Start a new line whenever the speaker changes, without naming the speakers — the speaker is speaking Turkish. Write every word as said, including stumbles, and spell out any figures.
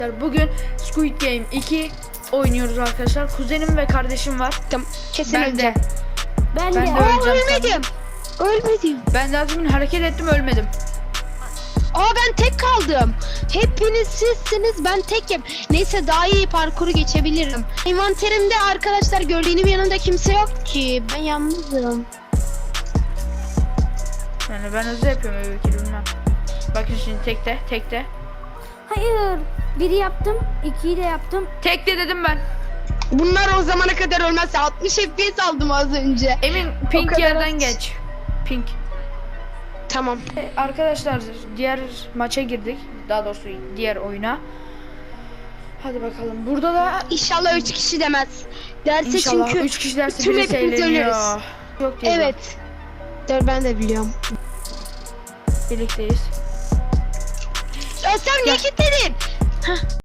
Bugün Squid Game iki oynuyoruz arkadaşlar. Kuzenim ve kardeşim var.
Tamam. Kesin
Ben de.
öleceğim.
Ben,
Ben
de.
de
Aa,
öleceğim
ölmedim. Ölmedim.
Ben daha demin hareket ettim, ölmedim.
Aa, ben tek kaldım. Hepiniz sizsiniz, ben tekim. Neyse, daha iyi parkuru geçebilirim. Envanterimde arkadaşlar gördüğünüm yanında kimse yok ki. Ben yalnızım.
Yani ben hızlı yapıyorum öyle ki bilmem. Bakın şimdi tekte tekte.
Hayır. Biri yaptım. ikiyi de yaptım.
Tekte dedim ben.
Bunlar o zamana kadar ölmezse altmış F P S aldım az önce.
Emin pink
kadar
yerden
az.
geç. Pink.
Tamam.
E, Arkadaşlar diğer maça girdik. Daha doğrusu diğer oyuna. Hadi bakalım. Burada da
İnşallah üç kişi demez. Derse
inşallah
çünkü
üç kişi derse
bütün
birisi
hepimiz
eğleniyor.
ölürüz.
Yok değil.
Evet. Dur, ben de biliyorum.
Birlikteyiz.
Ya sen niye kilitledin?